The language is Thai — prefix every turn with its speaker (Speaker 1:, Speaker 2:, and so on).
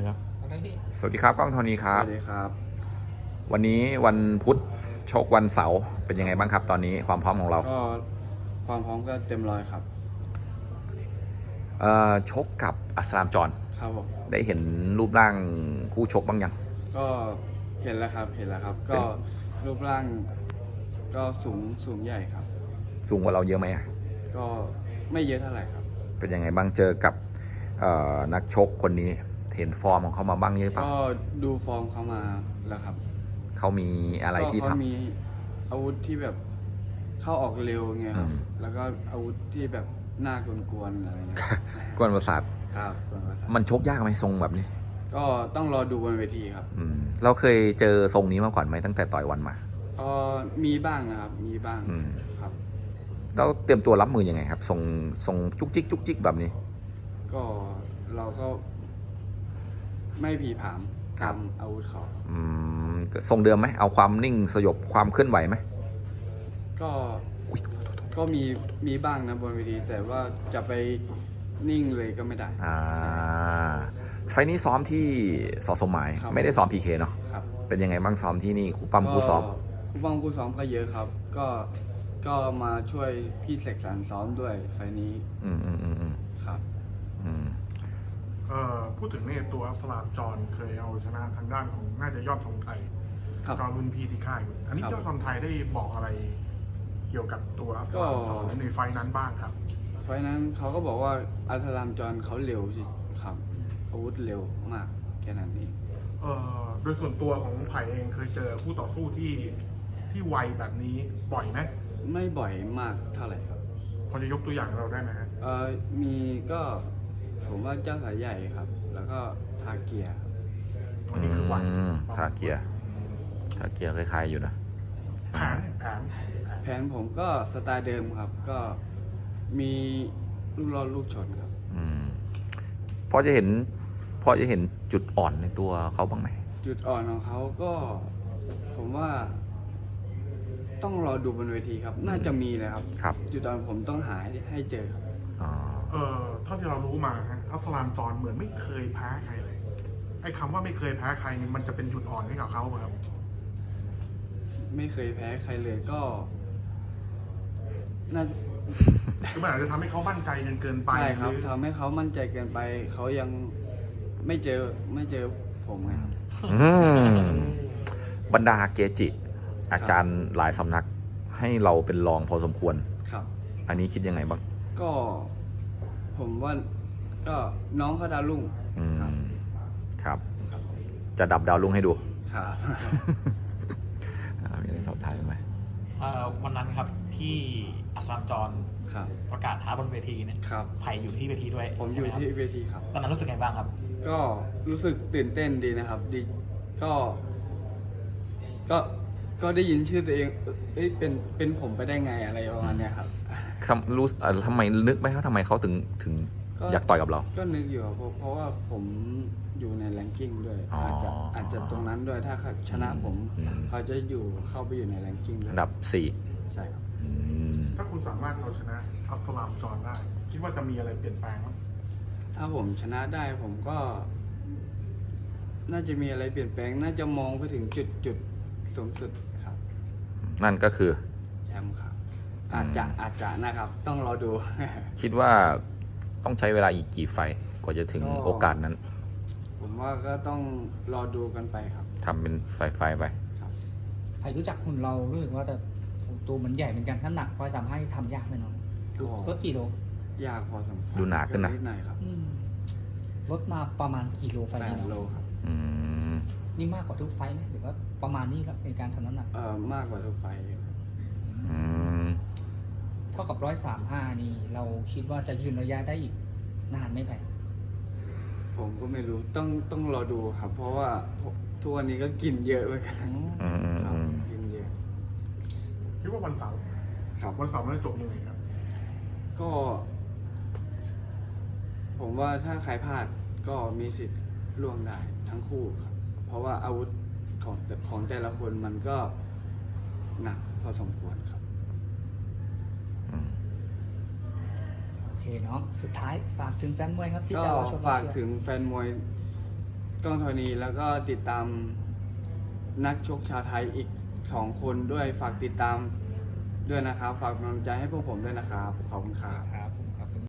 Speaker 1: ครับ
Speaker 2: สวัสดีครับก้องโทนี่ครั
Speaker 3: ส
Speaker 2: บ
Speaker 3: วัสดีครับ
Speaker 2: วันนี้วันพุธชกวันเสาร์เป็นยังไงบ้างครับตอนนี้ความพร้อมของเรา
Speaker 3: ก็ความพร้อมก็เต็มร้อยครับ
Speaker 2: ชกกับอัสลามจอน
Speaker 3: ครับผม
Speaker 2: ได้เห็นรูปร่างคู่ชกบ้างยัง
Speaker 3: ก็เห็นแล้วครับก็รูปร่างก็สูงใหญ่ครับ
Speaker 2: สูงกว่าเราเยอะไหมอะ
Speaker 3: ก็ไม่เยอะเท่าไหร่ครับ
Speaker 2: เป็นยังไงบ้างเจอกับนักชกคนนี้เห็นฟอร์มของเขามาบ้างเยอะเปล่า
Speaker 3: ก็ดูฟอร์มเขามาแล้วครับ
Speaker 2: เขามีอะไรที่
Speaker 3: ก็เขา
Speaker 2: ทำ
Speaker 3: มีอาวุธที่แบบเข้าออกเร็วไงครับ แล้วก็อาวุธที่แบบน่ากวนๆอะไรเงี้ย
Speaker 2: กวนประสาท
Speaker 3: ครับกวนประสาท
Speaker 2: มันชกยากไหมทรงแบบนี้
Speaker 3: ก็ต้องรอดูบนเวทีครับ
Speaker 2: เราเคยเจอทรงนี้มาก่อนไหมตั้งแต่ต่อยวันมา
Speaker 3: ก็มีบ้างนะครับมีบ้างครับ
Speaker 2: เราเตรียมตัวรับมือยังไงครับทรงจุกจิกแบบนี้
Speaker 3: ก็เราก็ไม่ผีผาม
Speaker 2: ครับ
Speaker 3: ทำอาวุธเขา
Speaker 2: ทรงเดิมไหมเอาความนิ่งสยบความเคลื่อนไหวไหม
Speaker 3: ก็มีบ้างนะบนเวทีแต่ว่าจะไปนิ่งเลยก็ไม่ได้
Speaker 2: ไฟล์นี้ซ้อมที่สสมหมาย
Speaker 3: ครับ
Speaker 2: ไม่ได้ซ้อมพีเคเนาะ
Speaker 3: ครับ
Speaker 2: เป็นยังไงบ้างซ้อมที่นี่ครูปั้มครูซ้อม
Speaker 3: ครูปั้มครูซ้อมก็เยอะครับ ก็มาช่วยพี่เสกสรรซ้อมด้วยไฟล์นี้ครับ
Speaker 1: พูดถึงเนี่ยตัวอัสลามจอนเคยเอาชนะทางด้านของน่าจะยอดทองไทย
Speaker 3: ครับ
Speaker 1: ก็รุ่นพี่ที่ค่ายอยู่อันนี้
Speaker 3: ครับ
Speaker 1: ยอดทองไทยได้บอกอะไรเกี่ยวกับตัวอัสลามจอนในไฟล์นั้นบ้างครับ
Speaker 3: ไฟล์นั้นเขาก็บอกว่าอัสลามจอนเขาเร็วสิครับอาวุธเร็วมากแค่นั้นเอง
Speaker 1: โดยส่วนตัวของไผ่เองเคยเจอคู่ต่อสู้ที่ไวแบบนี้บ่อยไหม
Speaker 3: ไม่บ่อยมากเท่าไหร่ครับ
Speaker 1: พอจะยกตัวอย่างให้เราได้ไหมฮะ
Speaker 3: มีก็ผมว่าเจ้าสายใหญ่ครับ แล้วก็ทาเกียร์ครับ
Speaker 1: วันนี้คือไว
Speaker 2: ทาเกียร์คล้ายๆอยู่นะ
Speaker 1: แผน
Speaker 3: ผมก็สไตล์เดิมครับ ก็มีลูกรอดลูกชนครับ
Speaker 2: พอจะเห็นจุดอ่อนในตัวเขาบ้างไหม
Speaker 3: จุดอ่อนของเขาก็ผมว่าต้องรอดูบนเวทีครับ น่าจะมีเลยครับ
Speaker 2: ครับ
Speaker 3: จุดอ่อนผมต้องหาให้เจอครับ
Speaker 1: เท่าที่เรารู้มาฮะอัสลามจอนเหมือนไม่เคยแพ้ใครเลยไอ้คำว่าไม่เคยแพ้ใครนี่มันจะเป็นจุดอ่อนให้กับเขาไหมครับ
Speaker 3: ไม่เคยแพ้ใครเลยก็น่า
Speaker 1: คือมันอาจจะทำให้เขามั่นใจจนเกินไป
Speaker 3: ใช่ครับ
Speaker 1: หอ
Speaker 3: ทำให้เขามั่นใจเกินไปเขายังไม่เจอผมไงครับ
Speaker 2: บรรดาเกจิ อาจารย์หลายสำนักให้เราเป็นรองพอสมควร
Speaker 3: ครับ
Speaker 2: อันนี้คิดยังไงบ้าง
Speaker 3: ก็ผมว่าก็น้องเขาดาวรุ่งครับ
Speaker 2: ครับ จะดับดาวรุ่งให้ดู
Speaker 3: ครับ
Speaker 2: มีอะไรสอบถามไหม
Speaker 4: วันนั้นครับที่อัสลามจอน
Speaker 3: ครับ
Speaker 4: ประกาศท้าบนเวทีเนี่ย
Speaker 3: ครับ
Speaker 4: ไผ่อยู่ที่เวทีด้วย
Speaker 3: ผมอยู่
Speaker 4: ใช่ไห
Speaker 3: ที่
Speaker 4: ครับ
Speaker 3: เวทีครับ
Speaker 4: ตอนนั้นรู้สึกไงบ้างครับ
Speaker 3: ก็รู้สึกตื่นเต้นดีนะครับดีก็ได้ยินชื่อตัวเองเอ้ยเป็นผมไปได้ไงอะไรประมาณเนี้ยครับ
Speaker 2: ทำไมนึกไหมว่าทำไมเขาถึง
Speaker 3: ก็
Speaker 2: อยากต่อยกับเรา
Speaker 3: ก็นึกอยู่ครับเพราะว่าผมอยู่ในแรงกิ้งด้วย
Speaker 2: อ๋อ
Speaker 3: อาจจะตรงนั้นด้วยถ้าเขาชนะผม
Speaker 2: อืม
Speaker 3: เขาจะเข้าไปอยู่ในแรงกิ้งด้วย
Speaker 2: อันดับ 4
Speaker 3: ใช่ครับ
Speaker 1: ถ้าคุณสามารถเอาชนะอัสลามจอนได้ คิดว่าจะมีอะไรเปลี่ยนแปลงไหม
Speaker 3: ถ้าผมชนะได้ผมก็ น่าจะมีอะไรเปลี่ยนแปลง น่าจะมองไปถึงจุดสูงสุดครับ
Speaker 2: นั่นก็คือ
Speaker 3: แชมป์ครับอาจจะนะครับ ต้องรอดู
Speaker 2: คิดว่าต้องใช้เวลาอีกกี่ไฟต์กว่าจะถึง
Speaker 3: ก็
Speaker 2: โอกาสนั้น
Speaker 3: ผมว่าก็ต้องรอดูกันไปครับ
Speaker 2: ทำเป็นไฟต์ไป
Speaker 5: ไผ่รู้จักหุ่นเรารู้สึกว่าจะตัวเหมือนใหญ่เหมือนกันถ้าหนัก135ทำยากไหมน้อง
Speaker 3: ก็
Speaker 5: ลดกี่โล
Speaker 3: ยากพอสมควร
Speaker 2: ดูหนาขึ้นนะ
Speaker 3: นิดหน่อยครับ
Speaker 5: ลดมาประมาณกี่โลไฟล์นี้
Speaker 3: 8 โล
Speaker 5: เนาะ
Speaker 3: ครับ
Speaker 2: อืม
Speaker 5: นี่มากกว่าทุกไฟล์ไหมหรือว่าประมาณนี้ครับในการทำน้ำหนัก
Speaker 3: มากกว่าทุกไฟล์ครับ
Speaker 2: อืม
Speaker 5: เท่ากับ135นี่เราคิดว่าจะยืนระยะได้อีกนานไหมไผ่
Speaker 3: ผมก็ไม่รู้ต้องรอดูครับ เพราะว่าทุกวันนี้ก็กินเยอะเหมือนกัน
Speaker 2: อืม
Speaker 3: ครับกินเยอะ
Speaker 1: คิดว่าวันเสาร์
Speaker 3: ครับ
Speaker 1: วันเสาร์มันจะจบยังไงครับ
Speaker 3: ก็ ผมว่าถ้าใครพลาดก็มีสิทธิ์ล่วงได้ทั้งคู่ครับ เพราะว่าอาวุธของแต่ละคนมันก็หนักพอสมควรครับ
Speaker 5: โอเคเนาะสุดท้ายฝากถึงแฟนมวยครับที่
Speaker 3: ก็
Speaker 5: จะรอชม
Speaker 3: ฝากถึงแฟนมวยกล้องธรณีแล้วก็ติดตามนักชกชาวไทยอีก2 คนด้วยฝากติดตามด้วยนะครับฝากกำลังใจให้พวกผมด้วยนะครับขอบคุณครับ